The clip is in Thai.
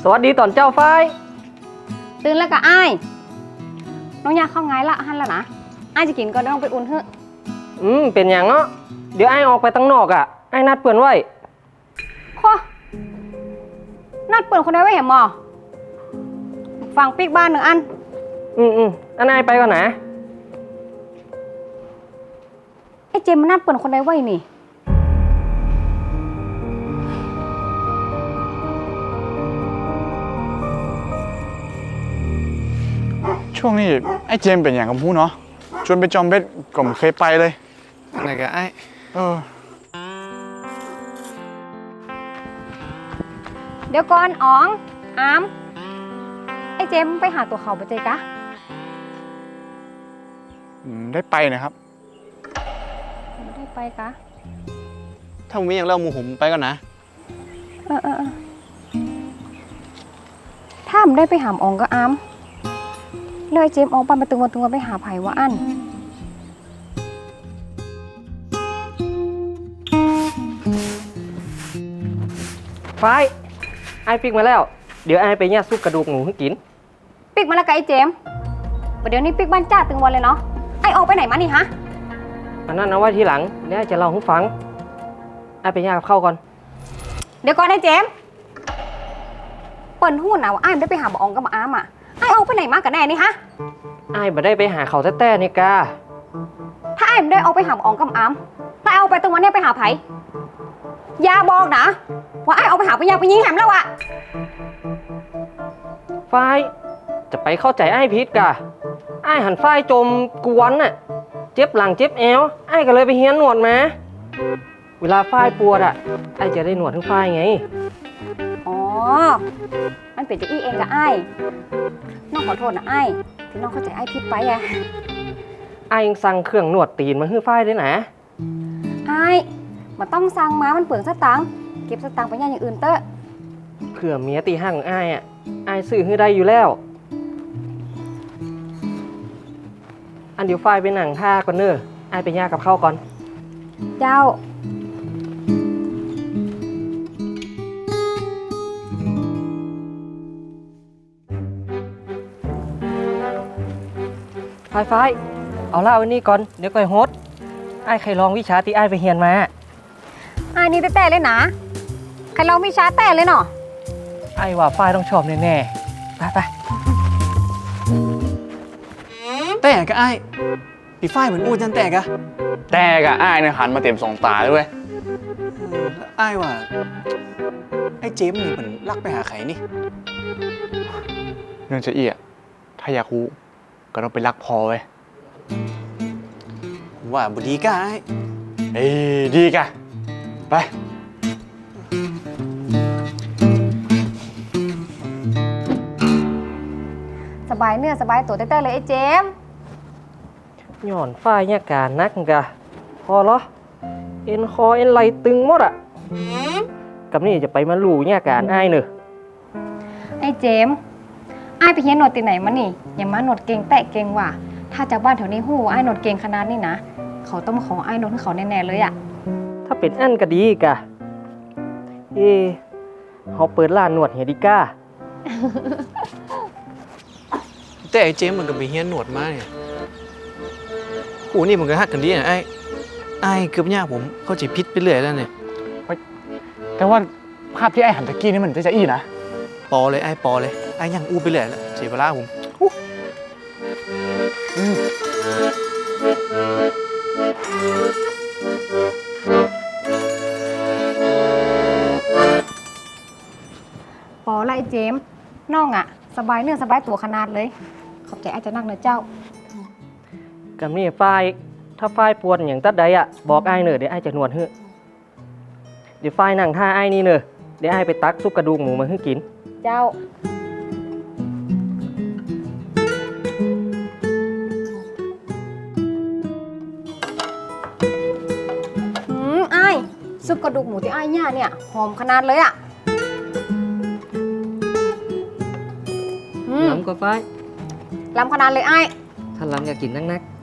สวัสดีตอนเจ้าฝ้ายตื่นแล้วก็อ้ายน้องยาเข้าไงละหันแล้วนะอ้ายจะกินก็ต้องไปอุ่นเถอะเป็นอย่างเนาะเดี๋ยวไอ้ออกไปตั้งนอกอ่ะไอ้นัดเปื่อนไว้พ่อนัดเปิดคนใดไว้เห็นหมอฟังปีกบ้านหนึ่งอันอันไอ้ไปก่อนนะไอ้เจมมันนัดเปิดคนใดไว้นี่ช่วงนี้ไอ้เจมเป็นอย่างกับพูเนาะชวนไปจอมเบ็ดก็ไม่เคยไปเลยอะไรกันไอ้เดี๋ยวก่อนอ๋องอามไอ้เจมไปหาตัวเขาไปเจกะได้ไปนะครับไม่ได้ไปกะถ้าผมมีอย่างเล่าหมูผมไปก่อนนะถ้าผมได้ไปหามอ๋องก็อามแล้วไอ้เจมออกไปตึงวันไปหาไผ่ว่าอันฝ้ายไอ้ปิกมาแล้วเดี๋ยวไอ้ไปย่าซุปกระดูกหมูให้กินปิกมาแล้วกับไอ้เจมเดี๋ยวนี้ปิกบ้านจ้าตึงวันเลยเนาะไอ้ออกไปไหนมานี่ฮะอันนั้นเอาไว้ทีหลังเดี๋ยวจะเล่าให้ฟังไอ้ไปย่ากับข้าวก่อนเดี๋ยวก่อนไอ้เจมเปิ่นหู้นะว่าไอ้ไม่ได้ไปหาบ่อองกับมาอ้ามอ่ะไอ้ออกไปไหนมากันแน่นี่ฮะไอ้บ่ได้ไปหาเขาแต้ๆนี่กาถ้าไอ้ไม่ได้ออกไปหาบ่อองกับมาอ้ามถ้าเอาไปตึงวันนี้ไปหาไผ่อย่าบอกนะว่าไอ้เอาไปหาไปยาไปยิงแหมแล้วอะฝ้ายจะไปเข้าใจไอ้พิษกะไอ้หันฝ้ายจมกวนน่ะเจ็บหลังเจ็บแอวไอ้ก็เลยไปเฮียนหนวดมาเวลาฝ้ายปวดอ่ะไอ้จะได้หนวดทั้งฝ้ายไงอ๋อมันเป็นจะอี้เองกับไอ้น้องขอโทษนะไอ้ที่น้องเข้าใจไอ้พิษไปอะไอ้ยังสั่งเครื่องหนวดตีนมาให้ฝ้ายด้วยนะไอ้มันต้องสั่งมามันเปลืองสตังค์เก็บสตังค์ไปย่างอย่างอื่นเตอะเผื่อเมียตีห้างของไอ้อ่ะไอ้ซื้อให้ได้อยู่แล้วอันเดี๋ยวฝ้ายไปหนังท่าก่อนเนอะไอ้ไปย่ากับข้าวก่อนเจ้าฝ้ายเอาเหล้าอันนี้ก่อนเดี๋ยวก่อยโฮสไอ้ใครลองวิชาที่ไอ้ไปเฮียนมาไอ้นี่แต่เลยนะใครเราไม่ช้าแต่เลยเนาะไอ้ว่าฝ้ายต้องชอบแน่ๆไปแต่กะไอ้ปีฝ้ายเหมือนอูจันแต่กะแต่กะไอ้เนี่ยหันมาเต็มสองตาด้วยไอ้ว่าไอ้เจมนี่เหมือนลักไปหาใครนี่เรื่องจะเอี้ยถ้าอยากรู้ก็ต้องไปรักพอไว้ว่าบุดีกะไอ้ดีกะไปสบายเนื้อสบายตัวแต่เลยไอ้เจมหย่อนฝ้ายเนี่ยการนักกะพอเหรอเอ็นคอเอ็นไหลตึงหมดอ่ะกับนี่จะไปมาลู่เนี่ยการไอ้เนอะไอ้เจมไอ้ไปเฮียนหนวดตีไหนมานี่อย่ามาหนวดเก่งแตะเก่งว่ะถ้าจากบ้านแถวนี้หู้ไอ้หนวดเก่งขนาดนี้นะเขาต้องมาขอไอ้หนวดให้เขาแน่ๆเลยอ่ะถ้าเป็นอันก็ดีกะเขาเปิดร้านหนวดเฮดิก้าแต่ไอ้เจมมันก็ไปเฮียนหนวดมาเนี่ยโอ้นี่มันก็ฮักกันดีนะไอ้เกือบยากผมเข้าใจพิษไปเรื่อยแล้วเนี่ยแต่ว่าภาพที่ไอ้หันตะกี้นี่มันจะอี้นะปอเลยไอ้ยังอู้ไปเรื่อยแล้วเสียเวลาผมปอไล่เจมน้องอะสบายเนื้อสบายตัวขนาดเลยขอบใจอาจจะนั่งนะเจ้ากับนี่ฝ้ายถ้าฝ้ายปวดอย่างตัดใดอะบอกไอ้เนอะเดี๋ยวไอ้จะนวดให้เดี๋ยวฝ้ายนั่งท่าไอ้นี่เนอะเดี๋ยวไอ้ไปตักซุปกระดูกหมูมาให้กินเจ้าไอ้ซุปกระดูกหมูที่ไอ้ย่าเนี่ยหอมขนาดเลยอะล้ำก็ฝ้ายล้ำขนาดเลยไอ้ถ้าล้ำอยากกินนัก